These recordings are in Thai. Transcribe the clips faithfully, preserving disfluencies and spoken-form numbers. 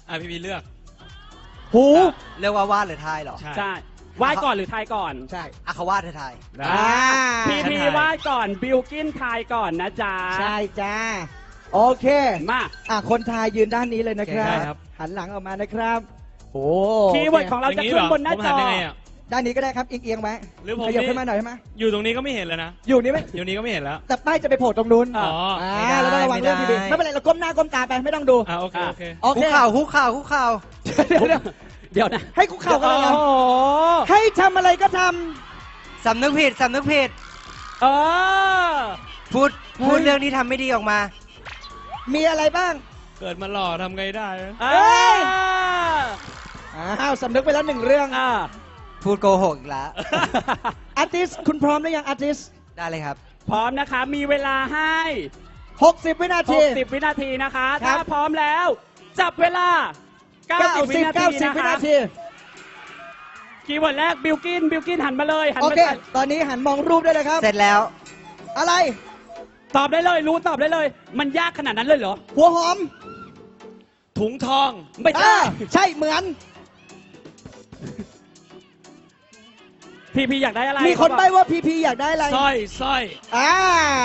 อ่ะพี่พีเลือกหูเรียกว่าวาดหรือทายเหรอใช่ใช่วาดก่อนหรือทายก่อนใช่อ่ะเขาวาดหรือทายได้อ่าพี่พีวาดก่อนบิลกินทายก่อนนะจ๊ะใช่จ้าโอเคมาอ่ะคนไทยยืนด้านนี้เลยนะครับได้ครับหันหลังออกมานะครับโอ้คีย์เวิร์ดของเราอย่จะงนี้ขึ้เหรนบนหน้าผมจหัอยังไงอ่ะด้านนี้ก็ได้ครับเอียงๆไว้หรือผมขยับนี่ขึ้นมาหน่อยใช่ไหมอยู่ตรงนี้ก็ไม่เห็นแล้วนะอยู่นี่ไหมอยู่นี้ก็ไม่เห็นแล้วแต่ป้ายจะไปโผล่ตรงนู้นอ๋ออ่าไม่ได้เราต้องระวังเรื่องไม่พี่ได้บีไม่เป็นไรเราก้มหน้าก้มตาไปไม่ต้องดูอ่ะโอเคโอเคโอคุเคกเข่าคุกเข่าคุกเข่าเดี๋ยวเดี๋ยวเดี๋ยวนะให้คุกเข่ากันเลยเหรอโอ้โหให้ทำอะไรก็ทสำนึกผิดสำนึกผิดเออพูดพูดเรื่องที่ทำไม่ดีออกมาำมีอะไรบ้างเกิดมาหล่อทำไงได้นะเอเอ้ยออ้าวสำนึกไปแล้วหนึ่งเรื่องอ่าพูดโกหกอีกแล้วอาร์ติสคุณพร้อมหรือยังอาร์ติสได้เลยครับพร้อมนะคะ มีเวลาให้หกสิบวินาทีหกสิบวินาทีนะคะครัถ้าบพร้อมแล้ว จับเวลา เก้าสิบ วินาทีเก้าสิบนะวิคะนาทีคีย์เวิร์ดแรกบิลกินบิลกินหันมาเลยหันโอมาเคใส่ตอนนี้หันมองรูปได้เลยครับเสร็จแล้วอะไรตอบได้เลย รู้ตอบได้เลย มันยากขนาดนั้นเลยเหรอหัวหอมถุงทองไม่อ่าใช่ใช่เหมือนพี่พี่อยากได้อะไรมีคนใบ้ว่าพีพีอยากได้อะไรสร้อยสร้อยอ่า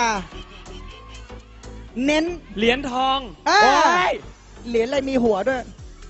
เน้นเหรียญทองอ่าโอ้ยเหรียญอะไรมีหัวด้วย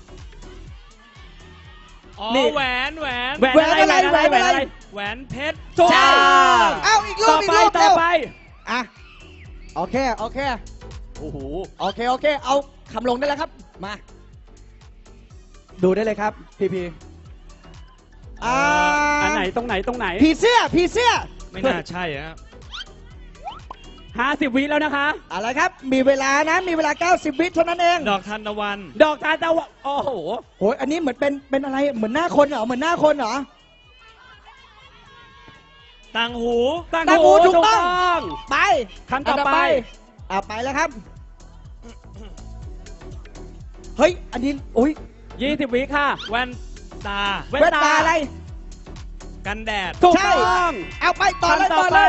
อ๋อนี่แหวนแหวนแหวนอะไรแหวนอะไรแหวนอะไรแหวนอะไรแหวนเพชรถูกจ้าต้องเอ้าอีกรูต่ปออีกไปรูปต่เร็อวไปอ่ะโอเคโอเคโอ้โหโอเคโอเค เอาคำลงได้แล้วครับ มา ดูได้เลยครับ พีพีอ่าอันไหนตรงไหนตรงไหนผีเสื้อผีเสื้อไม่น่าใช่อะห้าสิบวิแล้วนะคะอะไรครับ มีเวลานะ มีเวลา เก้าสิบ วิเท่านั้นเองดอกทานตะวันดอกทานตะวันโอ้โหโอ้ยอันนี้เหมือนเป็น เป็นอะไร เหมือนหน้าคนเหรอ เหมือนหน้าคนเหรอต่างหูตั้งตั้งหูถูกต้องงไปคำต่อไปอ่ะไปแล้วครับ เฮ้ย อันนี้โอ้ยยี่สิบวิค่ะแว่นตาแว่นแว่นตาตาอะไรกันแดดถูกใช่ต้องเอาไปต่อเลยคำต่ต่ออไปเลย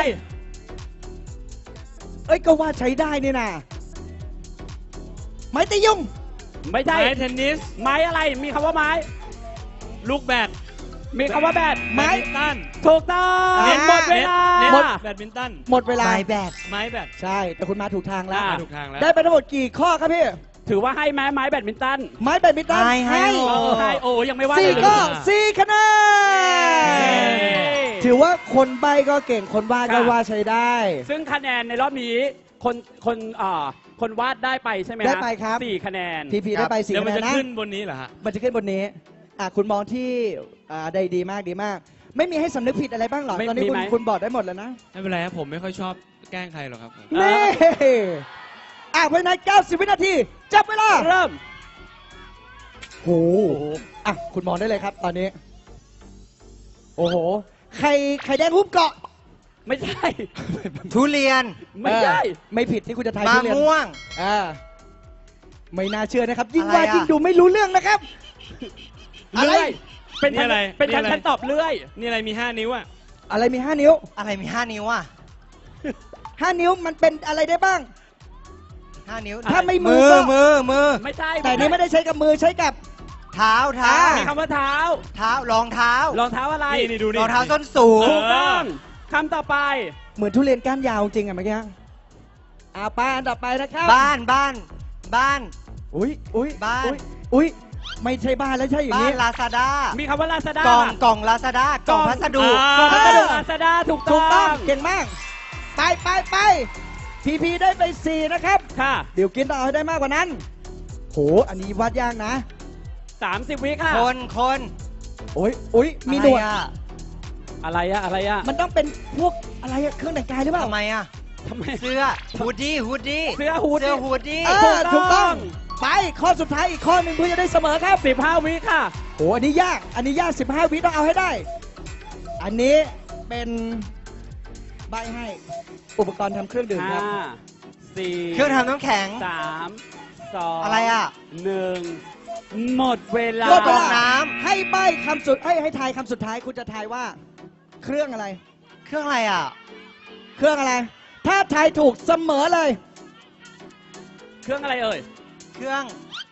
เอ้ย ก็ว่าใช้ได้นี่นะไม้ตียุงไม่ไม้ใช่เทนนิสไม้อะไร มีคำว่าไม้ลูกแบดมีคำว่าแบดไม้แบดมินตันถูกต้องอ่าหมดเวลาเน็ตหมดแบดมินตันหมดเวลาไม้แบดไม้แบดใช่ แต่คุณมาถูกทางแล้วอ่าถูกทางแล้วได้ไปทั้งหมดกี่ข้อครับพี่ถือว่าให้ไม้ไม้แบดมินตันไม้แบดมินตันให้ให้เออให้โอ้ยังไม่ว่าสี่เลยก็เลยสี่คะแนเย้นถือว่าคนใบก็เก่ง คนวาดก็ค่ะวาดใช้ได้ซึ่งคะแนนในรอบนี้ คนคนอ่าคนวาดได้ไปใช่ไหมได้ไปครับสี่คะแนนพีพีได้ไปสี่เดี๋ยวคะมันแนนจะนะขึ้นบนนี้เหรอฮะมันจะขึ้นบนนี้ อ่ะคุณมองที่อ่าได้ดีมากดีมาก ไม่มีให้สำนึกผิดอะไรบ้างเหรอไม่ตอนนี้มีคุณไหมคุณบอกได้หมดแล้วนะไม่เป็นไรครับผมไม่ค่อยชอบแกล้งใครหรอกครับผมนี่อ่ะภายในเก้าสิบ วินาที จับเวลาเริ่มโหอ่ะคุณมองได้เลยครับ ตอนนี้ โอ้โห ไข่ไข่แดงหุ้มเกาะไม่ใช่ทุเรียนไม่ใช่เออไม่ผิดที่คุณจะทายมะทุเรียนม่วงอ่าไม่น่าเชื่อนะครับ ยิ่งอะไรว่าอ่ะยิ่งดูไม่รู้เรื่องนะครับ อะไรเลื่อย เป็นนี่ฉันอะไรเป็นฉันนี่อะไรฉันตอบเลื่อยนี่อะไรมีห้านิ้วอ่ะอะไรมีห้านิ้วอะไรมีห้านิ้วอ่ะห้านิ้วมันเป็นอะไรได้บ้างห้านิ้วถ้าไม่มืมืออก็มือมือไม่ใช่แต่นี้ไม่ได้ใช้กับมือใช้กับเท้าเท้าอ่ามีคำว่าเท้าเท้ารองเท้ารองเท้าอะไรนี่นี่ดูนี่รองเท้าส้นสูงถูกต้องคำต่อไปเหมือนทุเรียนก้านยาวจริงอะเมื่อกี้อ่าไปอันต่อไปนะครับบ้านบ้านบ้านอุ้ยอุ้ยบ้านอุ๊ยอุ้ยไม่ใช่บ้านแล้วใช่อย่างบ้านนี้ลาซาด้ามีคำว่าลาซาด้ากล่องกล่องลาซาด้ากล่องพัสดุอ่ากล่องพัสดุเออลาซาด้าถูกถูต้กต้ออง งเก่งมาก ไปไปไปพีพีได้ไปสี่นะครับค่ะเดี๋ยวกินต้องเอาให้ได้มากกว่านั้นโหอันนี้วาดยากนะสามสิบวิค่ะคนคนโอ้ยอุ้ยมีหนวดอะไรอะอะไรอะอะไรอะมันต้องเป็นพวกอะไรอะเครื่องแต่งกายหรือเปล่าทำไมอะทำไมเสื้อฮูดดี้ฮูดดี้เสื้อฮูดดี้เสื้อฮูดดี้เออถูถูกกต้ต้ออง งไปข้อสุดท้ายอีกข้อหนึ่งเพื่อจะได้เสมอครับสิบห้าวิค่ะโหอันนี้ยาก อันนี้ยากสิบห้าวิต้องเอาให้ได้ อันนี้เป็นใบให้อุปกรณ์ทำเครื่องดื่มคห้ารับสี่เครื่องทำน้ำแข็งสามสองอะไรอะหนึ่งหมดเวลาหมดเวกรลาองน้ำให้ใบคำสุดให้ให้ทายคำสุดท้ายคุณจะทายว่า เครื่องอะไรเครื่องอะไรอะเครื่องอะไร ถ้าทายถูกเสมอเลยเครื่องอะไรเอ่ยเครื่อง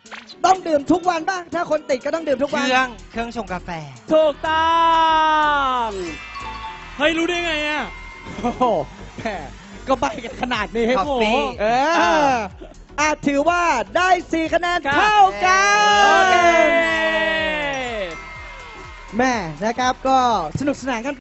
ต้องดื่มทุกวันบ้างถ้าคนติดก็ต้องดื่มทุกเควันรื่องเครื่องชงกาแฟถูกต้องเฮ้ย รู้ได้ไงอ่ะโอ้โหแหมก็ใบกันขนาดนี้คอฟฟี่เอออาจถือว่าได้สี่คะแนนครับเท่ากัโอเคนแม่นะครับก็สนุกสนานกัน